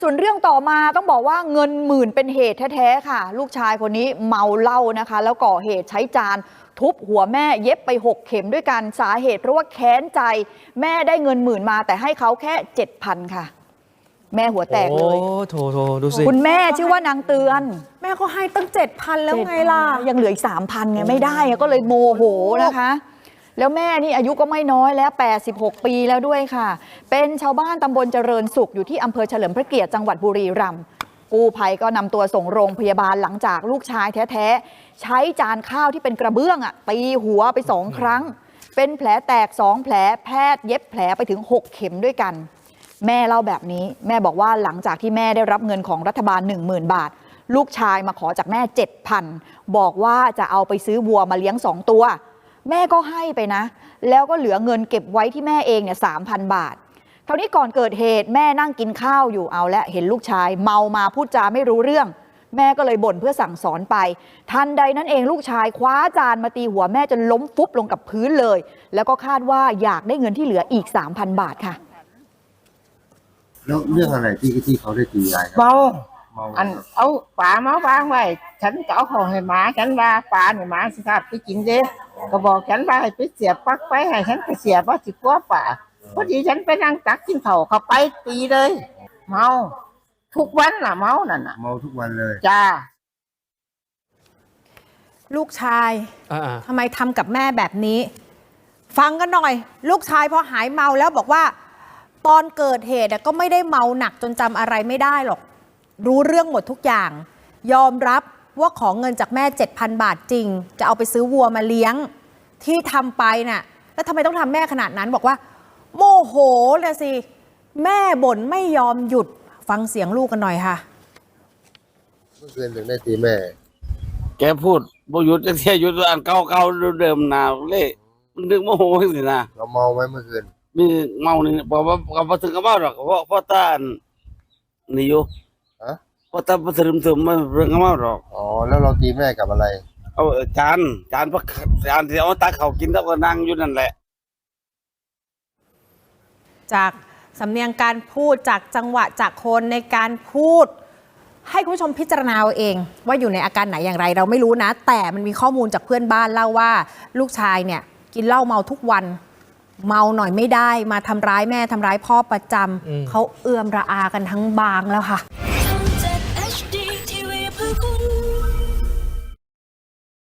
ส่วนเรื่องต่อมาต้องบอกว่าเงินหมื่นเป็นเหตุแท้ๆค่ะลูกชายคนนี้เมาเหล้านะคะแล้วก่อเหตุใช้จานทุบหัวแม่เย็บไป6 เข็มด้วยกันสาเหตุเพราะว่าแค้นใจแม่ได้เงินหมื่นมาแต่ให้เขาแค่ 7,000 ค่ะแม่หัวแตกเลยโอ้โถดูสิคุณแม่ชื่อว่านางเตือนแม่ก็ให้ตั้ง 7,000 แล้วไงล่ะยังเหลืออีก 3,000 ไงไม่ได้ก็เลยโมโหนะคะแล้วแม่นี่อายุก็ไม่น้อยแล้ว86 ปีแล้วด้วยค่ะเป็นชาวบ้านตำบลเจริญสุขอยู่ที่อำเภอเฉลิมพระเกียรติจังหวัดบุรีรัมย์กู้ภัยก็นำตัวส่งโรงพยาบาลหลังจากลูกชายแท้ๆใช้จานข้าวที่เป็นกระเบื้องตีหัวไป2 ครั้งเป็นแผลแตก2 แผลแพทย์เย็บแผลไปถึง6 เข็มด้วยกันแม่เล่าแบบนี้แม่บอกว่าหลังจากที่แม่ได้รับเงินของรัฐบาล 10,000 บาทลูกชายมาขอจากแม่ 7,000 บอกว่าจะเอาไปซื้อวัวมาเลี้ยง2 ตัวแม่ก็ให้ไปนะแล้วก็เหลือเงินเก็บไว้ที่แม่เองเนี่ย 3,000 บาทเท่านี้ก่อนเกิดเหตุแม่นั่งกินข้าวอยู่เอาและเห็นลูกชายเมามาพูดจาไม่รู้เรื่องแม่ก็เลยบ่นเพื่อสั่งสอนไปทันใดนั้นเองลูกชายคว้าจานมาตีหัวแม่จนล้มฟุบลงกับพื้นเลยแล้วก็คาดว่าอยากได้เงินที่เหลืออีก 3,000 บาทค่ะแล้วเรื่องอะไรที่เขาได้ตียายเมาอันเอาปลามา้างไว้ฉันก็เอาของให้หมาฉันว่าปลาเนี่ยหมาสิครับไปกินเด้ก็บอกฉันว่าให้ไปเสียบปลั๊กไปให้ฉันไปเสียบว่าสิกลัวป่าพอดีฉันไปนั่งตักกินข้าวเขาไปตีเลยเมาทุกวันน่ะเมานั่นน่ะเมาทุกวันเลยจ้าลูกชายทำไมทำกับแม่แบบนี้ฟังกันหน่อยลูกชายพอหายเมาแล้วบอกว่าตอนเกิดเหตุก็ไม่ได้เมาหนักจนจำอะไรไม่ได้หรอกรู้เรื่องหมดทุกอย่างยอมรับว่าขอเงินจากแม่ 7,000 บาทจริงจะเอาไปซื้อวัวมาเลี้ยงที่ทำไปน่ะแล้วทำไมต้องทำแม่ขนาดนั้นบอกว่าโมโหเลยสิแม่บ่นไม่ยอมหยุดฟังเสียงลูกกันหน่อยค่ะเมื่อคืนถึงได้ตีแม่แกพูดบ่หยุดจะเที่ยหยุดอันเก่าๆเดิมๆนาเล่มันดึงโมโหสินะเราเมาไหมเมื่อคืนมีเมานี่บอกว่าก็ถึงกับเมาหรอกเพราะตานี่อยู่เพราะตาบ่ถึงมันเรื่องกับเมาหรอกอ๋อแล้วเราตีแม่กับอะไรเอาจานพักจานที่เอาตักเขากินแล้วก็นั่งอยู่นั่นแหละจากสำเนียงการพูดจากจังหวะจากคนในการพูดให้คุณผู้ชมพิจารณาเอาเองว่าอยู่ในอาการไหนอย่างไรเราไม่รู้นะแต่มันมีข้อมูลจากเพื่อนบ้านเล่าว่าลูกชายเนี่ยกินเหล้าเมาทุกวันเมาหน่อยไม่ได้มาทำร้ายแม่ทำร้ายพ่อประจำเขาเอื้อมระอากันทั้งบางแล้วค่ะ